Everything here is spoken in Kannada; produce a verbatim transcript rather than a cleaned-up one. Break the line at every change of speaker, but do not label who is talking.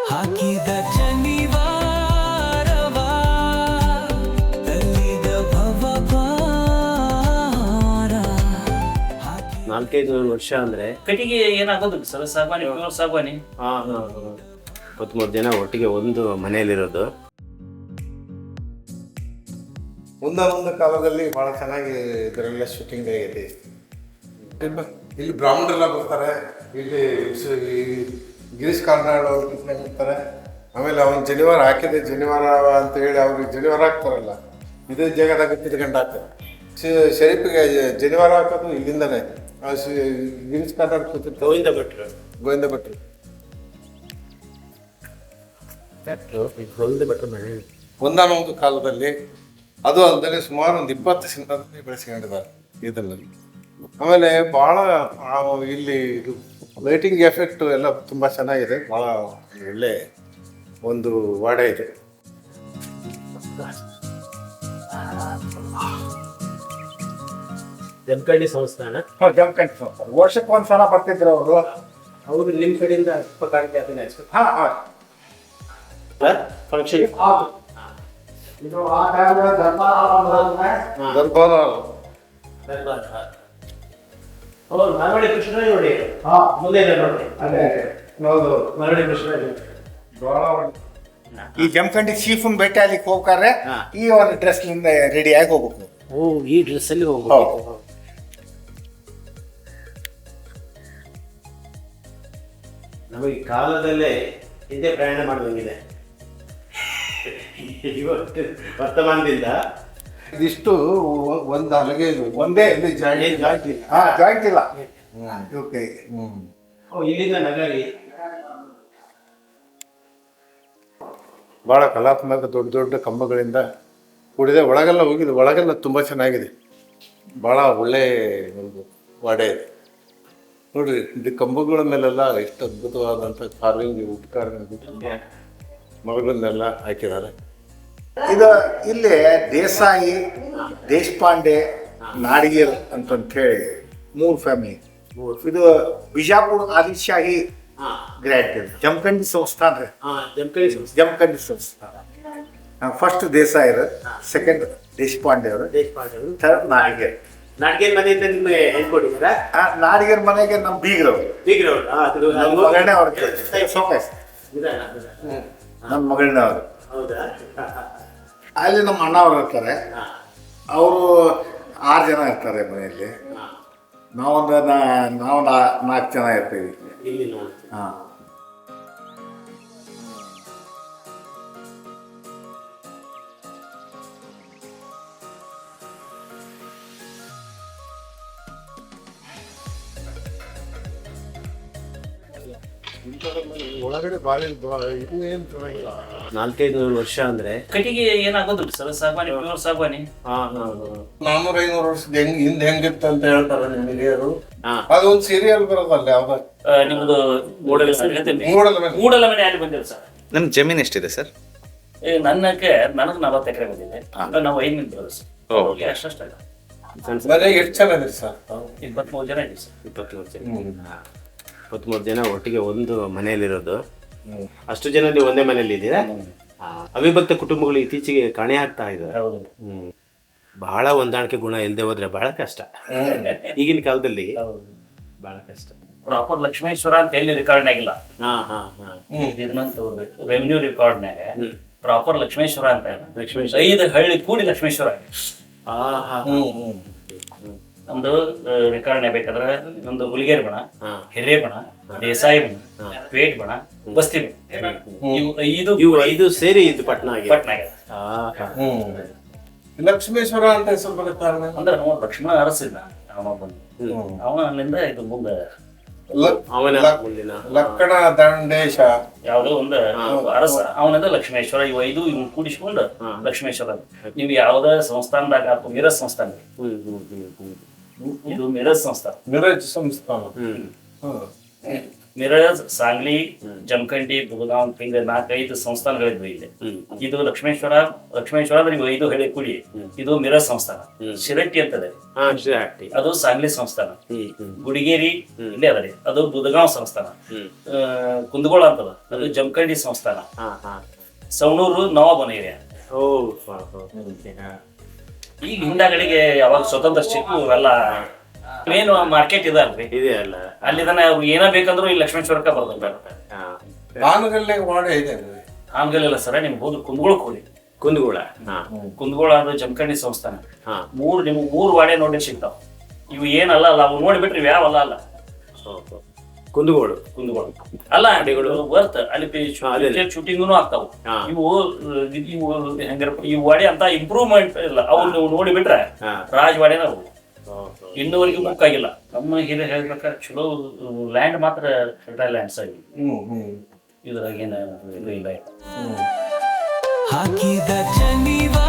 ಹಾಕಿದ ಶನಿವಾರವ ತಲ್ಲಿದ ಭವಭಾರ.
ನಾಲ್ಕೈದು ವರ್ಷ ಅಂದ್ರೆ
ಕಟ್ಟಿಗೆ ಏನಾಗೋದು ಸರ್? ಸಾಗವಾನಿ, ಪ್ಯೂರ್ ಸಾಗವಾನಿ.
ಹಾ ಹಾ ಇಪ್ಪತ್ಮೂರು ಜನ ಒಟ್ಟಿಗೆ ಒಂದು ಮನೆಯಲ್ಲಿರೋದು.
ಮುಂದೊಂದು ಕಾಲದಲ್ಲಿ ಬಹಳ ಚೆನ್ನಾಗಿ ಇದರೆಲ್ಲ ಶೂಟಿಂಗ್ ಆಗೈತಿ. ಇಲ್ಲಿ ಬ್ರಾಹ್ಮಣರೆಲ್ಲ ಬರ್ತಾರೆ, ಇಲ್ಲಿ ಸು- ಈ ಗಿರೀಶ್ ಕಾರ್ನಾಡ್ ಅವ್ರು ಬರ್ತಾರೆ. ಆಮೇಲೆ ಅವ್ನು ಜನಿವಾರ ಹಾಕಿದೆ, ಜನಿವಾರ ಅಂತ ಹೇಳಿ ಅವ್ರಿಗೆ ಜನಿವಾರ ಹಾಕ್ತಾರಲ್ಲ, ಇದೇ ಜಾಗದಾಗ ತಿರ್ಗಂಡು ಹಾಕ್ತಾರೆ. ಶ- ಶರೀಫಿಗೆ ಜನಿವಾರ ಹಾಕೋದು ಇಲ್ಲಿಂದನೇ. ಆ ಶ- ಗಿರೀಶ್ ಕಾರ್ನಾಡ್ ಕೂತಿರ್ತಾರೆ,
ಗೋವಿಂದ ಭಟ್ರು
ಗೋವಿಂದ ಭಟ್ರು.
ಗೋವಿಂದ ಭಟ್ರು ಮನೆ.
ಒಂದಾನೊಂದು ಕಾಲದಲ್ಲಿ ಅದು ಅಲ್ಲದೆ ಸುಮಾರು ಒಂದು ಇಪ್ಪತ್ತು ಸಿನಿಮಾದಲ್ಲಿ ಬೆಳೆಸ್ಕೊಂಡಿದ್ದಾರೆ ಇದರಲ್ಲಿ. ಆಮೇಲೆ ಭಾಳ ಇಲ್ಲಿ ಲೈಟಿಂಗ್ ಎಫೆಕ್ಟ್ ಎಲ್ಲ ತುಂಬ ಚೆನ್ನಾಗಿದೆ. ಭಾಳ ಒಳ್ಳೆ ಒಂದು ವಾಡೆ ಇದೆ.
ಜಮಖಂಡಿ ಸಂಸ್ಥಾನ.
ಜಮಖಂಡಿ ಸಂಸ್ಥಾನ ವರ್ಷಕ್ಕೆ ಒಂದ್ಸಲ ಬರ್ತಿದ್ರು ಅವರು.
ಅವರು ನಿಮ್ಮ ಕಡೆಯಿಂದ ಉಪಕಾರಕ್ಕೆ ಅದನ್ನ
ಹಾ ಹಾ
ಫಂಕ್ಷನ್.
ಇದು ಆ ಟೈಮ್ನಲ್ಲಿ ದರ್ಬಾರ್
ದರ್ಬಾರ
ಹೌದು, ಮರವಳ್ಳಿ ಕೃಷ್ಣ ನೋಡಿ.
ಹಾ
ಮುಂದೆ ಇದೆ ನೋಡಿ,
ಅದೇ ಹೌದು.
ಮರವಳ್ಳಿ ಕೃಷ್ಣ.
ಬಹಳ ಒಳ್ಳೆ. ಈ ಜಮಖಂಡಿ ಚೀಫನ್ ಭೇಟಿ ಆಗ್ಲಿಕ್ಕೆ ಹೋಗ್ತಾರೆ,
ಹಾ.
ಈ ಒಂದು ಡ್ರೆಸ್ಲಿಂದ ರೆಡಿ ಆಗಿ ಹೋಗ್ಬೇಕು.
ಓ, ಈ ಡ್ರೆಸ್ ಅಲ್ಲಿ ಹೋಗ್ಬೇಕು. ನಮಗೆ ಕಾಲದಲ್ಲೇ ಹಿಂದೆ ಪ್ರಯಾಣ ಮಾಡುವಂಗಿದೆ. ಇವತ್ತು ವರ್ತಮಾನದಿಂದ
ಇದಿಷ್ಟು ಒ- ಒಂದು ಹಲಗೆ ಇದು.
ಒಂದೇ
ಇಲ್ಲಿ ಜಾಯಿಂಟ್
ಏನ್ ಜಾಸ್ತಿ.
ಹಾ ಜಾಯಿಂಟ್ ಇಲ್ಲ. ಓಕೆ.
ಹ್ಮ್.
ಓ, ಇಲ್ಲಿಂದ ನಗರಿ.
ಭಾಳ ಕಲಾತ್ಮಕ ದೊಡ್ಡ ದೊಡ್ಡ ಕಂಬಗಳಿಂದ ಕೂಡಿದೆ. ಒಳಗೆಲ್ಲ ಹೋಗಿದೆ, ಒಳಗೆಲ್ಲ ತುಂಬ ಚೆನ್ನಾಗಿದೆ. ಭಾಳ ಒಳ್ಳೆ ಒಂದು ವಾಡೆ ಇದೆ ನೋಡ್ರಿ. ಇದು ಕಂಬಗಳ ಮೇಲೆಲ್ಲ ಎಷ್ಟು ಅದ್ಭುತವಾದಂಥ ಕಾರ್ವಿಂಗ್, ವುಡ್ ಕಾರ್ವಿಂಗ್ ಮರಗಳನ್ನೆಲ್ಲ ಹಾಕಿದ್ದಾರೆ.
ಇದು ಇಲ್ಲಿ ದೇಸಾಯಿ, ದೇಶಪಾಂಡೆ, ನಾಡಿಗೇರ್ ಅಂತಂತ ಹೇಳಿ ಮೂರು ಫ್ಯಾಮಿಲಿ. ಇದು ಬಿಜಾಪುರ ಆದಿಶಾಹಿ
ಹಾ
ಗ್ರ್ಯಾಂಡ್ ಇದು. ಜಮಖಂಡಿ ಸಂಸ್ಥಾನ ರೀ.
ಹಾ ಜಮಖಂಡಿ ಸಂಸ್ಥೆ.
ಜಮಖಂಡಿ ಸಂಸ್ಥಾನ. ಫಸ್ಟ್ ದೇಸಾಯಿರು, ಸೆಕೆಂಡ್ ದೇಶಪಾಂಡೆ ಅವರು,
ದೇಶಪಾಂಡೆ ಅವರು.
ಥರ್ಡ್ ನಾಡಿಗೇರ್.
ನಾಟಕದ ಮನೆಯಿಂದ ನಿಮಗೆ ಹೇಳ್ಕೊಟ್ಟಿದ್ದೀರಾ?
ಆ ನಾಡಿಗೇರ್ ಮನೆಗೆ ನಮ್ಮ ಬೀಗ್ರವ್ರು,
ಬೀಗ್ರವ್ರು. ಹಾ, ಅದು
ನಮ್ಮ ಮಗಳನ್ನೇ ಅವ್ರ ಸೋಮೇಶ್,
ನಿಧಾನ, ನಿಧಾನ.
ನಮ್ಮ ಮಗಳನ್ನೇ ಅವರು.
ಹೌದಾ?
ಅಲ್ಲಿ ನಮ್ಮ ಅಣ್ಣ ಅವ್ರು ಇರ್ತಾರೆ.
ಹಾ,
ಅವರು ಆರು ಜನ ಇರ್ತಾರೆ ಮನೆಯಲ್ಲಿ.
ಹಾ.
ನಾವೊಂದು ನಾ- ನಾವು ನಾ- ನಾಲ್ಕು ಜನ ಇರ್ತೀವಿ.
ಇಲ್ಲಿ ನೋಡಿ.
ಹಾಂ.
ಒಳಗಡೆ ಭಾಳ ಇದು ಏನು ಚೆನ್ನಾಗಿಲ್ಲ.
ನಾಲ್ಕೈದು ನೂರು ವರ್ಷ ಅಂದ್ರೆ
ಕಟ್ಟಿಗೆ ಏನಾಗೋದು ಸರ್? ಸಾಗವಾನಿ, ಪ್ಯೂರ್ ಸಾಗವಾನಿ.
ಹಾ ಹಾ
ನಾನ್ನೂರ ಐನೂರು ವರ್ಷದ ಹೆಂಗ್ ಹಿಂದೆ ಹೆಂಗಿತ್ತು ಅಂತ ಹೇಳ್ತಾರೆ ನಿಮಗೆ. ಅದು
ಹಾ.
ಅದೊಂದು ಸೀರಿಯಲ್ ಬರೋದಲ್ಲ ಯಾವ್ದು
ಆ, ನಿಮ್ದು ಮೂಡಲ ಹೇಳ್ತೇನೆ.
ಮೂಡಲ ಮೇಲೆ.
ಮೂಡಲ ಮನೆ ಅಲ್ಲಿ ಬಂದಿದೆ ಸರ್.
ನಮ್ ಜಮೀನ್ ಎಷ್ಟಿದೆ ಸರ್?
ಈಗ ನನ್ನಕ್ಕೆ ನನಗೆ ನಲವತ್ತು ಎಕರೆ ಬಂದಿದೆ. ನಾವು ಐದು ಮಂದಿ ಬರೋದು ಸರ್.
ಓ.
ಅವ್ರಿಗೆ ಅಷ್ಟೇ
ಸಣ್ಣ ಸಣ್ಣ
ಮನೆಗೆ ಎಷ್ಟು ಜನ ಇದ್ರಿ ಸರ್?
ಇಪ್ಪತ್ಮೂರು ಜನ ಇದ್ದೀವಿ ಸರ್.
ಇಪ್ಪತ್ಮೂರು ಜನ. ಹಾ. ಇಪ್ಪತ್ಮೂರು ಜನ ಒಟ್ಟಿಗೆ ಒಂದು ಮನೆಯಲ್ಲಿರೋದು. ಅಷ್ಟು ಜನ ನೀವು ಒಂದೇ ಮನೆಯಲ್ಲಿ ಇದ್ದೀರಾ? ಹಾ. ಅವಿಭಕ್ತ ಕುಟುಂಬಗಳು ಇತ್ತೀಚೆಗೆ ಕಾಣೆ ಆಗ್ತಾ ಇದ್ದಾರೆ.
ಹೌದು.
ಹ್ಮ್ ಬಹಳ ಹೊಂದಾಣಿಕೆ ಗುಣ ಇಲ್ಲದೆ ಹೋದ್ರೆ ಬಹಳ ಕಷ್ಟ. ಈಗಿನ ಕಾಲದಲ್ಲಿ
ಹೌದು.
ಬಹಳ ಕಷ್ಟ.
ಪ್ರಾಪರ್ ಲಕ್ಷ್ಮೇಶ್ವರ ಅಂತ ಎಲ್ಲಿ ರೆಕಾರ್ಡ್ ಆಗಿಲ್ಲ.
ಹಾ ಹಾ ಹಾ
ಇದನ್ನಂತ ರೆವಿನ್ಯೂ ರೆಕಾರ್ಡ್ನಾಗ ಪ್ರಾಪರ್ ಲಕ್ಷ್ಮೇಶ್ವರ ಅಂತ ಇಲ್ಲ.
ಲಕ್ಷ್ಮೇಶ್ವರ.
ಐದು ಹಳ್ಳಿ ಕೂಡಿ ಲಕ್ಷ್ಮೇಶ್ವರ ಆಗಿದೆ.
ಹಾ ಹಾ
ನಮ್ದು ರೆಕಾರ್ಡ್ನೇ ಬೇಕಾದ್ರೆ ನಮ್ದು ಹುಲಿಗೇರಿ ಬಣ,
ಹಾ.
ಹಿರೇ ಬಣ, ದೇಸಾಯಿ ಬಣ, ಪೇಟ್ ಬಣ, ಬಸ್ತಿ ಬಣ, ಇವು ಐದು
ಇವು ಐದು ಸೇರಿ ಇದು ಪಟ್ನ ಆಗಿದೆ.
ಪಟ್ನ ಆಗಿದೆ.
ಹಾ ಹಾ
ಹ್ಮ್. ಲಕ್ಷ್ಮೇಶ್ವರ ಅಂತ ಹೆಸರು ಬರುತ್ತೆ ಕಾರಣ
ಅಂದ್ರೆ ನಾವು ಲಕ್ಷ್ಮಣ ಅರಸಿದ್ದ ಅವನ ಬಂದು ಅವನ ಅಲ್ಲಿಂದ ಇದು ಮುಂದೆ
ಲ-
ಅವನ
ಲಕ್-
ಮುಂದಿನ
ಲಕ್ಕಣ ದಂಡೇಶ.
ಯಾವುದೋ ಒಂದು ಅರಸ ಅವನದ ಲಕ್ಷ್ಮೇಶ್ವರ. ಇವು ಐದು ಇವ್ ಕೂಡಿಸ್ಕೊಂಡು ಲಕ್ಷ್ಮೇಶ್ವರ. ನೀವು ಯಾವ್ದ ಸಂಸ್ಥಾನದಾಗ ಅಥವಾ ಮಿರಜ್ ಸಂಸ್ಥಾನ,
ಹ್ಮ್ ಹ್ಮ್ ಹ್ಮ್ ಹ್ಮ್
ಇದು ಮಿರಜ್ ಸಂಸ್ಥಾನ.
ಮಿರಜ್ ಸಂಸ್ಥಾನ.
ಹ್ಮ್
ಹ್ಮ್.
ಮಿರಜ್, ಸಾಂಗ್ಲಿ, ಜಮಖಂಡಿ, ಬುಲಗಾಂವ್ ಹಿಂಗ ನಾಲ್ಕೈದು ಸಂಸ್ಥಾನಗಳಿದ್ವು ಇಲ್ಲಿ. ಇದು ಲಕ್ಷ್ಮೇಶ್ವರ ಲಕ್ಷ್ಮೇಶ್ವರ ಅಂದ್ರೆ ಇವು ಐದು ಹೇಳಿ ಕುಡಿ, ಇದು ಮಿರಜ್ ಸಂಸ್ಥಾನ. ಶಿರಟ್ಟಿ ಅಂತದೆ
ಹಾ ಶಿರಹಟ್ಟಿ,
ಅದು ಸಾಂಗ್ಲಿ ಸಂಸ್ಥಾನ.
ಹ್ಮ್ ಹ್ಮ್
ಗುಡಿಗೇರಿ ಇಲ್ಲೇ ಅದರಿ, ಅದು ಬುದಗಾಂವ್ ಸಂಸ್ಥಾನ.
ಹ್ಮ್
ಆ, ಕುಂದಗೋಳ ಅಂತದ, ಅದು ಜಮಖಂಡಿ ಸಂಸ್ಥಾನ.
ಹಾ ಹಾ
ಸವಣೂರು ನವಾಬನ ಏರಿಯಾ.
ಓ ಹಾ, ಹಾ. ಹಾ.
ಈಗ ಹಿಂದಾಗಡಿಗೆ ಯಾವಾಗ ಸ್ವತಂತ್ರ ಸಿಕ್ಕು ಇವೆಲ್ಲ ಮೇನ್ ಮಾರ್ಕೆಟ್ ಇದೆ ಅಲ್ರಿ,
ಇದೆ ಅಲ್ಲ.
ಅಲ್ಲಿದನ ಅವ್ರು ಏನ ಬೇಕಂದ್ರು ಈ ಲಕ್ಷ್ಮೇಶ್ವರಕ್ಕ ಬರ್ತಾರೆ.
ಹಾ
ಬಾನುಗಲ್ಲೆ ವಾಡೆ ಇದೆ.
ಆಮ್ಗಲಿಲ್ಲ ಸರ, ನಿಮ್ಗೆ ಹೋಗಿ ಕುಂದಗೋಳಕ್ಕೆ ಹೋಗಿ.
ಕುಂದಗೋಳ. ಹಾ
ಕುಂದಗೋಳ ಅದು ಜಮಖಂಡಿ ಸಂಸ್ಥಾನ.
ಹಾ
ಮೂರ್ ನಿಮ್ಗೆ ಮೂರು ವಾಡೆ ನೋಡಿ ಸಿಗ್ತಾವ. ಇವು ಏನಲ್ಲ ಅಲ್ಲ, ಅವು ನೋಡಿಬಿಟ್ರಿ ಇವು ಯಾವಲ್ಲ ಅಲ್ಲ.
ಓಹೋ. ಕುಂದಗೋಳು.
ಕುಂದಗೋಳ ಅಲ್ಲ ಅಡಿಗಳು ವರ್ತ್ ಅಲ್ಲಿ ಶೂಟಿಂಗ್ನು ಆಗ್ತಾವ.
ಹಾ.
ಇವು ಇವು ಹೆಂಗಾರಪ್ಪ, ಈ ವಾಡೆ ಅಂತ ಇಂಪ್ರೂವ್ಮೆಂಟ್ ಇಲ್ಲ, ಅವು ನೀವು ನೋಡಿಬಿಟ್ರೆ
ಹಾ.
ರಾಜವಾಡೆನ ಅವು
ಓಹೋ.
ಇನ್ನೂವರೆಗೂ ಬುಕ್ ಆಗಿಲ್ಲ. ನಮ್ಮ ಹಿರಿಯ ಹೇಳ್ಬೇಕಾದ್ರೆ ಚಲೋ ಲ್ಯಾಂಡ್ ಮಾತ್ರ ಫೆಡರಲ್ ಲ್ಯಾಂಡ್ಸ್ ಆಗಿ,
ಹ್ಮ್ ಹ್ಮ್
ಇದ್ರಾಗ ಏನ ಇದು ಇಲ್ಲ.
ಹಾಕಿದ ಜನಿವ